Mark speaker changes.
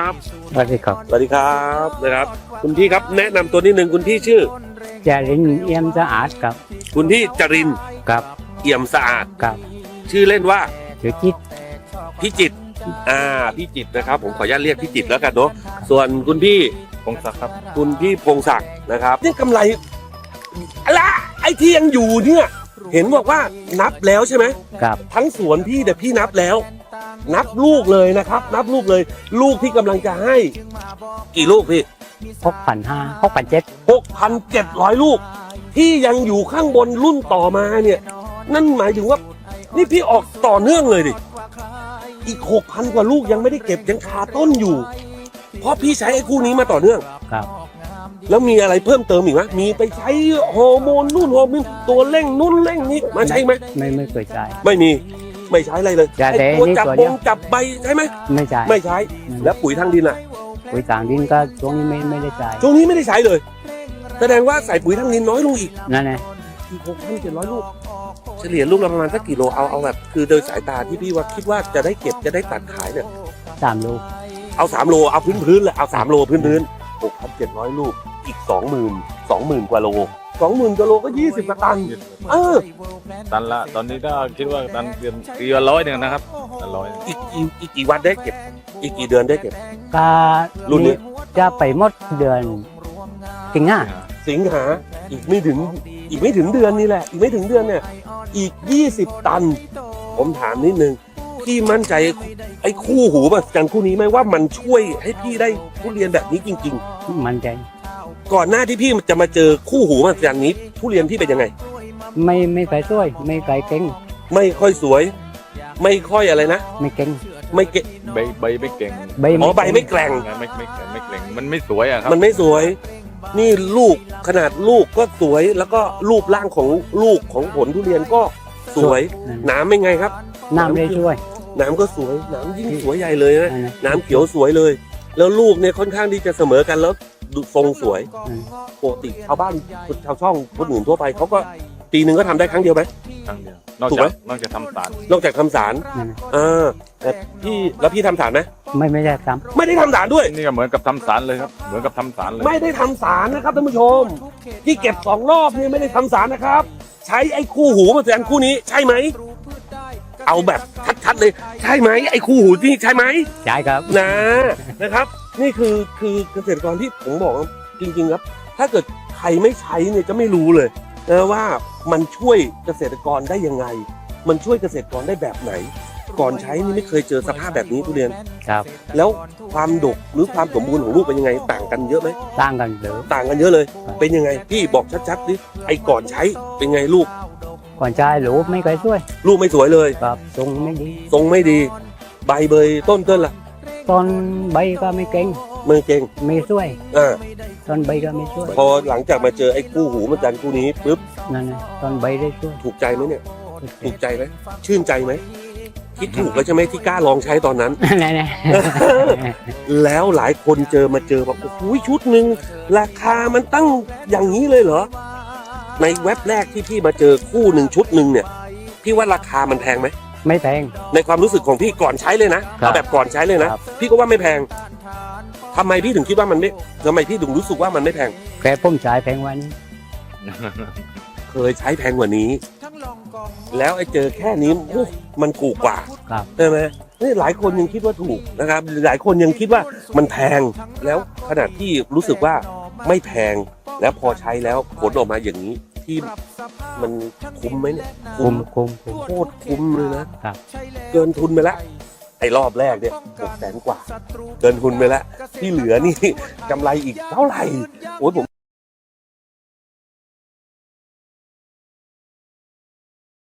Speaker 1: ครับ
Speaker 2: สวัสดีครับ
Speaker 1: สวัสดีครับนะครับคุณพี่ครับแนะนำตัวนิดนึงคุณพี่ชื่อ
Speaker 2: จารินเอี่ยมสะอาดครับ
Speaker 1: คุณพี่จรินทร์
Speaker 2: ครับ
Speaker 1: เอี่ยมสะอาด
Speaker 2: ครับ
Speaker 1: ชื่อเล่นว่า
Speaker 2: ชื่อจิต
Speaker 1: พี่จิตรพี่จิตรนะครับผมขออนุญาตเรียกพี่จิตรแล้วกันเนาะส่วนคุณพี่
Speaker 3: พงศักดิ์ครับ
Speaker 1: คุณพี่พงศักดิ์นะครับนี่กำไรอะไรไอ้ที่ยังอยู่เนี่ยเห็นบอกว่านับแล้วใช่ไหม
Speaker 2: ครับ
Speaker 1: ทั้งสวนพี่แต่พี่นับแล้ว นับลูกเลยนะครับ นับลูกเลย ลูกที่กำลังจะให้กี่ลูกพี่
Speaker 2: 6,500 6,700
Speaker 1: 6,700 ลูก ที่ยังอยู่ข้างบนรุ่นต่อมาเนี่ย นั่นหมายถึงว่า นี่พี่ออกต่อเนื่องเลยดิอีก 6,000 กว่าลูกยังไม่ได้เก็บยังคาต้นอยู่ เพราะพี่ใช้ไอ้คู่นี้มาต่อเนื่อง
Speaker 2: ครับ
Speaker 1: แล้วมีอะไรเพิ่มเติมอีกไหมมีไปใช้ฮอร์โมนนู่นฮอร์โมนตัวเร่งนู่นเร่งนี้มาใช้ไหม
Speaker 2: ไม่เคยใช้
Speaker 1: ไม่มีไม่ใช้อะไรเลย
Speaker 2: ยา
Speaker 1: ไอ้
Speaker 2: แดง
Speaker 1: ตัว
Speaker 2: นี่
Speaker 1: จับ
Speaker 2: ตัว
Speaker 1: บ
Speaker 2: เดียว
Speaker 1: งจับใบใช่ไหม
Speaker 2: ไม่ใช้
Speaker 1: ไม่ใช้ แล้วปุ๋ยทางดินอ่ะ
Speaker 2: ปุ๋ยต่างดินก็ช่วงนี้ไม่ได้ใช้
Speaker 1: ช่วงนี้ไม่ได้ใช้เลย แสดงว่าใส่ปุ๋ยทางดินน้อยลงอีก
Speaker 2: นั่นไง
Speaker 1: อีก 6,700 ลูก เฉลี่ยลูกละประมาณสักกี่โลเอาแบบคือโดยสายตาที่พี่ว่าคิดว่าจะได้เก็บจะได้ตัดขายเนี่ย
Speaker 2: 3 ลูก
Speaker 1: เอา3โลเอาพื้นเลยเอา3โลพื้น6,700 ลูกอีก 20,000 กว่าโล 20,000 กว่าโลก็20กว่าตัน
Speaker 3: ตันละตอนนี้ก็คิดว่าตันเกือบ100นึงนะครับ100
Speaker 1: อีกกี่วันได้เก็บ อีกกี่เดือนได้เก็บ
Speaker 2: ก็
Speaker 1: รุ่นนี้
Speaker 2: จะไปหมดเดือนสิงหา
Speaker 1: สิงหาอีกไม่ถึงเดือนนี่แหละอีกไม่ถึงเดือนเนี่ยอีก20 ตัน ผมถามนิดนึงพี่มั่นใจไอ้คู่หูแบบกันคู่นี้ไหมว่ามันช่วยให้พี่ได้ทุเรียนแบบนี้จริง
Speaker 2: มันใจ
Speaker 1: ๆ ก่อนหน้าที่พี่จะมาเจอคู่หูแบบกันนี้ทุเรียนพี่เป็นยังไง
Speaker 2: ไม่เคยช่วยไม่เคยเก่ง
Speaker 1: ไม่ค่อยสวย ไม่ค่อยอะไรนะ
Speaker 2: ไม่เก่ง
Speaker 1: ไม่เกะ
Speaker 3: ใบไม่เก่ง
Speaker 1: อ๋อใบไม่แกร่ง
Speaker 3: ไม่เก่งมันไม่สวยอะครับ
Speaker 1: มันไม่สวย นี่ลูกขนาดลูกก็สวยแล้วก็รูปร่างของลูกของผลทุเรียนก็สวยน้ำเป็นไงครับ
Speaker 2: น้ำได้ช่วย
Speaker 1: น้ำก็สวยน้ำยิ่งสวยใหญ่เลยนะ
Speaker 2: นั่นน่ะ
Speaker 1: น้ำเขียวสวยเลย แล้วลูกเนี่ยค่อนข้างที่จะเสมอกันแล้วดูทรงสวย
Speaker 2: อืม
Speaker 1: ปกติชาวบ้านชาวช่องคนอื่นทั่วไปเขาก็ปีหนึ่งก็ทำได้ครั้งเดียวไหม
Speaker 3: ครั้งเดียวนอก
Speaker 1: ถูกไหม
Speaker 3: จากทำสาร
Speaker 1: นอกจากทำสาร
Speaker 2: นั่นน่ะ
Speaker 1: แต่พี่ทำสารไหม
Speaker 2: ไม่ได้ท
Speaker 1: ไม่ได้ทำสารด้วย
Speaker 3: นี่ก็เหมือนกับทำสารเลยครับเหมือนกับทำสารเลย
Speaker 1: ไม่ได้ทำสารนะครับท่านผู้ชม ที่เก็บ2 รอบนี่ไม่ได้ทำสารนะครับ ใช้ไอ้คู่หูมาแทนคู่นี้ใช่ไหมเอาแบบชัดๆเลยใช่ไหมไอ้คู่หูนี่ใช่ไหม
Speaker 2: ำใช่ครับ
Speaker 1: นะครับ นี่คือเกษตรกรที่ผมบอกว่าจริงๆครับ ถ้าเกิดใครไม่ใช้เนี่ยจะไม่รู้เลยนะว่ามันช่วยเกษตรกรได้ยังไง มันช่วยเกษตรกรได้แบบไหน ก่อนใช้นี่ไม่เคยเจอสภาพแบบนี้ทุเรียน
Speaker 2: ครับ
Speaker 1: แล้วความดกหรือความสมบูรณ์ของลูกเป็นยังไงต่างกันเยอะไหม
Speaker 2: ต่างกันหรือ
Speaker 1: ต่างกันเยอะเลย เป็นยังไงพี่บอกชัดๆดิไอ้ก่อนใช้เป็นไงลูก
Speaker 2: ก่อนใช้ลูกไม่เคยช่วย
Speaker 1: ลูกไม่สวยเลย
Speaker 2: ครับทรงไม่ดี
Speaker 1: ทรงไม่ดี ใบเบยต้นล่ะ
Speaker 2: ต้นใบก็ไม่เก่ง
Speaker 1: มือเก่ง
Speaker 2: ไม่ช่วย
Speaker 1: อ่า
Speaker 2: ต้นใบก็ไม่ช่วย
Speaker 1: พอหลังจากมาเจอไอ้คู่หูมันจันคู่นี้ปุ๊บ
Speaker 2: นั่นไงต้นใบได้ช่วย
Speaker 1: ถูกใจไหมเนี่ย ถูกใจไหมชื่นใจไหมคิดถูกแล้วใช่ไหมที่กล้าลองใช้ตอนนั้น
Speaker 2: นั่นไง
Speaker 1: แล้วหลายคนมาเจอแบบโอ้โหชุดหนึ่งราคามันตั้งอย่างนี้เลยเหรอในเว็บแรกที่พี่มาเจอคู่หนึ่งชุดหนึ่งเนี่ยพี่ว่าราคามันแพงไหม
Speaker 2: ไม่แพง
Speaker 1: ในความรู้สึกของพี่ก่อนใช้เลยนะครับ เอาแบบก่อนใช้เลยนะครับ พี่ก็ว่าไม่แพงทำไมพี่ถึงคิดว่ามันไม่ทำไมพี่ถึงรู้สึกว่ามันไม่แพง
Speaker 2: แค่ผมใช้แพงกวันนี้
Speaker 1: เคยใช้แพงกว่านี้ แล้วไอ้เจอแค่นี้โอ้มันถูกกว่า
Speaker 2: ครับ
Speaker 1: ใช่ไหมนี่หลายคนยังคิดว่าถูกนะครับ หลายคนยังคิดว่ามันแพงแล้วขนาดที่รู้สึกว่าไม่แพงแล้วพอใช้แล้วผลออกมาอย่างนี้ที่มันคุ้มไหมเนี่ย
Speaker 2: คุม
Speaker 1: โคตรคุ้มเลยนะครับ เกินทุนไปแล้วไอ้รอบแรกเนี่ย600,000 กว่า เกินทุนไปแล้วที่เหลือนี่กำไรอีกเท่าไหร่โอ้ยผม